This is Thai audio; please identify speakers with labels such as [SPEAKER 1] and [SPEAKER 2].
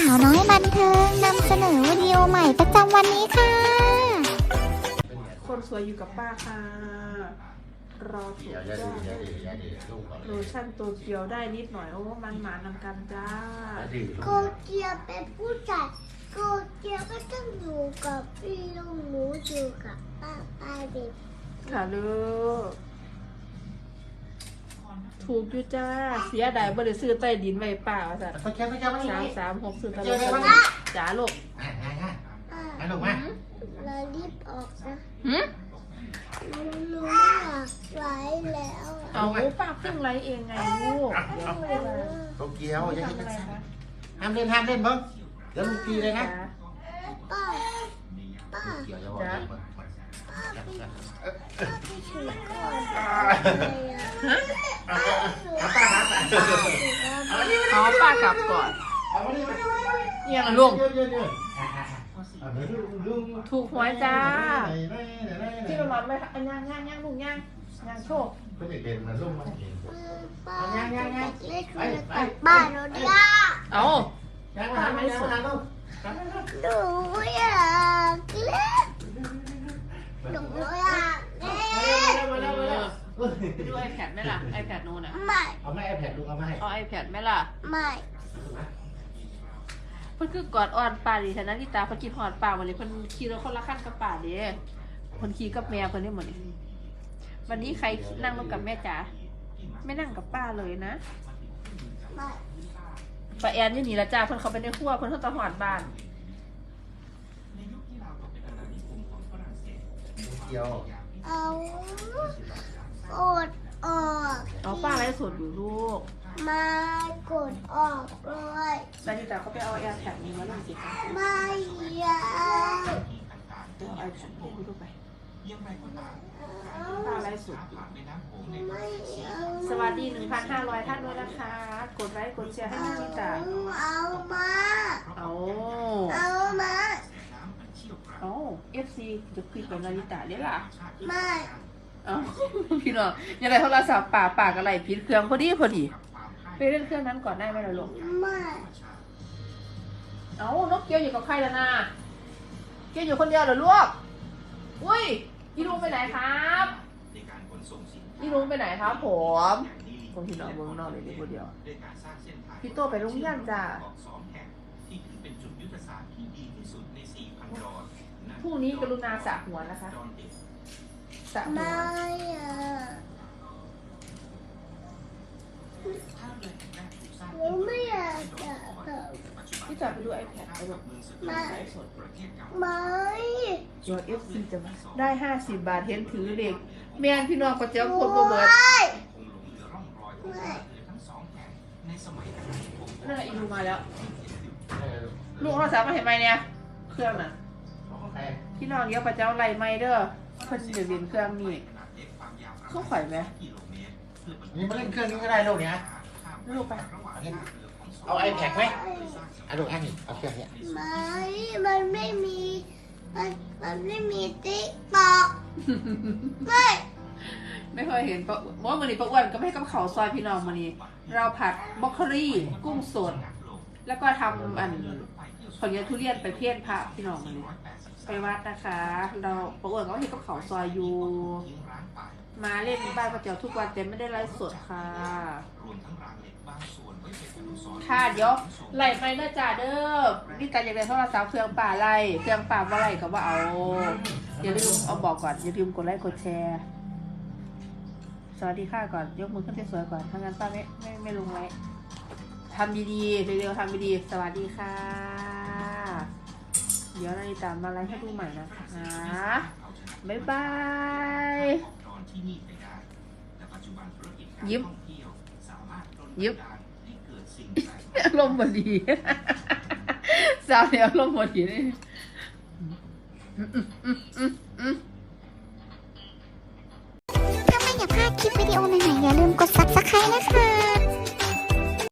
[SPEAKER 1] าวน้อยบันเทิงนำเสนอวิดีโอใหม่ประจำวันนี้ค่ะ
[SPEAKER 2] คนสวยอยู่กับป้าค่ะรอถูกจ้าโลชั่นตัวเกียวได้นิดหน่อยโอ้มันหมานำกันจ้า
[SPEAKER 3] โกเกียวเป็นผู้ชายโกเกียวก็ต้องอยู่กับพี่ลุงหนูอยู่กับป้าเด็ก
[SPEAKER 2] ค่ะลูกถูกอยู่จ้าเสียดายบ่ได้ซื้อใต้ดินไว้ป่าจ้ะ336ซื้อตลอดจ้าลูก
[SPEAKER 3] มาลูกมาเรารีบออกนะหนูอยากไล่แล้ว
[SPEAKER 2] เอาป้าเพิ่งไล่เองไงลูก
[SPEAKER 4] โตเกียวอย่าให้มันห้ามเล่นเพิ่งเดี๋ยวลูกตีเลยนะ
[SPEAKER 3] ป้า
[SPEAKER 4] เกี่ยวจะบอกเลย
[SPEAKER 3] ไปถือก่อน
[SPEAKER 2] เอาป้ากลับก่อนยังลุงถูกหวยจ้าที่เราหลับไหมย่างลุงย่างโชค
[SPEAKER 4] ก็เด็กๆนะลุงมาเห็น
[SPEAKER 3] ป้าเล่นกับบ้านเราดิ
[SPEAKER 2] เอา
[SPEAKER 4] ป้าไม่สนลูก
[SPEAKER 3] หนูอยากเล่นหนูอยากเล่น
[SPEAKER 2] ไปดู iPad ไหมล่ะ iPad โน่นอ่ะ
[SPEAKER 3] ไม่
[SPEAKER 4] เอาไม่ iPad ลุงเอามาให้
[SPEAKER 2] เอา iPad ไหมล่ะ
[SPEAKER 3] ไม่
[SPEAKER 2] เพิ่นคือกอดอ่อนป่าดิฉันนะที่ตาเพิ่นกินหอดป่าวันนี้เพิ่นขี่รถคนละขั้นกับป่าดิเพิ่นขี่กับแม่เพิ่นนี่หมดนี่วันนี้ใครนั่งรถกับแม่จ๋าไม่นั่งกับป้าเลยนะป้าแอนนี่หนีละจ้าเพิ่นเขาไปในครัวเพิ่นเขาตะหอดบ้าน
[SPEAKER 4] เกี่ยว
[SPEAKER 3] เอากดออก
[SPEAKER 2] เอาป้าไลฟ์สดอยู่ลูก
[SPEAKER 3] มากดออกเลย
[SPEAKER 2] แล้วที่ตาเขาไปเอาแอร์แท็กนี้มาล่งสิคะ
[SPEAKER 3] ไม่อยาก
[SPEAKER 2] เอาไอแพดให้ดูไปป้าไลฟ์สดสวัสดี 1,500 ท่านด้วยนะคะกดไลค์กดแชร์ให้น้องนิตา
[SPEAKER 3] เอามา
[SPEAKER 2] เอา
[SPEAKER 3] มา
[SPEAKER 2] เอาFC จะคุยกับนาริตาได้ล่ะ
[SPEAKER 3] ไม่
[SPEAKER 2] เอาพี่น้องยังไงโทรศัพท์ป่าอะไรผิดเครื่องพอดีไปเล่นเครื่องนั้นก่อนได้ไหมล่ะลูก
[SPEAKER 3] ไม่
[SPEAKER 2] เอานกเกียวอยู่กับใครล่ะนาเกียวอยู่คนเดียวเหรอลูกอุ้ยพี่ลุงไปไหนครับพี่ลุงไปไหนครับผมคนที่นอนเมืองนอกเลยดีคนเดียวพี่โตไปโรงเรียนจ้าพรุ่งนี้กรุณาสระหัวนะคะสระหัว
[SPEAKER 3] ไม่หนูไม่อยากจะ
[SPEAKER 2] พี่จับไปดู iPad ไปแบบ
[SPEAKER 3] ไม่
[SPEAKER 2] ยอด FC จะมาได้50 บาทเห็นถือเด็กแม่นพี่น้องก็เจ้าคนบ่เบิดนั่นแหละอีลูมาแล้วลูกเราสามารถเห็นไหมเนี่ยเครื่องน่ะพี่น้องเดี๋ยวป้าเจ้าไล่ไม้เด้อเพิ่นจะเรียนเครื่องนี่เขาข่อยไหม
[SPEAKER 4] นี่มาเล่นเครื่องนี้ก็ได้ลูกเนี่ย
[SPEAKER 2] ลูกไป
[SPEAKER 4] เอา iPad ไหมเอาลูกอันนี้เอาเครื่องนี้
[SPEAKER 3] ไม่มันไม่มีติ๊กต็อก
[SPEAKER 2] ไม่เคยเห็นปะว่ามันนี่ปะอ้วนก็ไม่ให้กับเขาซอยพี่น้องมันนี่เราผัดบล็อกโคลี่กุ้งสดแล้วก็ทำผลยาทุเรียนไปเพี้ยนพระพี่น้องมันนี่ไปวัดนะคะเราปะอ้วนก็เห็นกับเขาซอยอยู่มาเล่นบ้านป้าเจ้าทุกวันแต่ไม่ได้ไลฟ์สดค่ะค่ะเดี๋ยวไล่ไปเด้อจ้าเด้อนี่การอยากได้โทรศัพท์เครื่องป่าไล่เครื่องป่าว่าไล่ก็ว่าเอาอย่าลืมเอาบอกก่อนอย่าลืมกดไลค์กดแชร์สวัสดีค่ะก่อนยกมือขึ้นสวยๆก่อนถ้างั้นป้าไม่ลงไลค์ทำดีๆเร็วๆทำดีๆสวัสดีค่ะเดี๋ยวนาฬิตามาไลฟ์ให้ดูใหม่นะคะบ๊ายบายยิ้มลมบดีสาวเนี่ยลมบดีนี่
[SPEAKER 1] ถ้าไม่อยากพลาดคลิปวิดีโอใหม่ๆอย่าลืมกด Subscribe นะคะ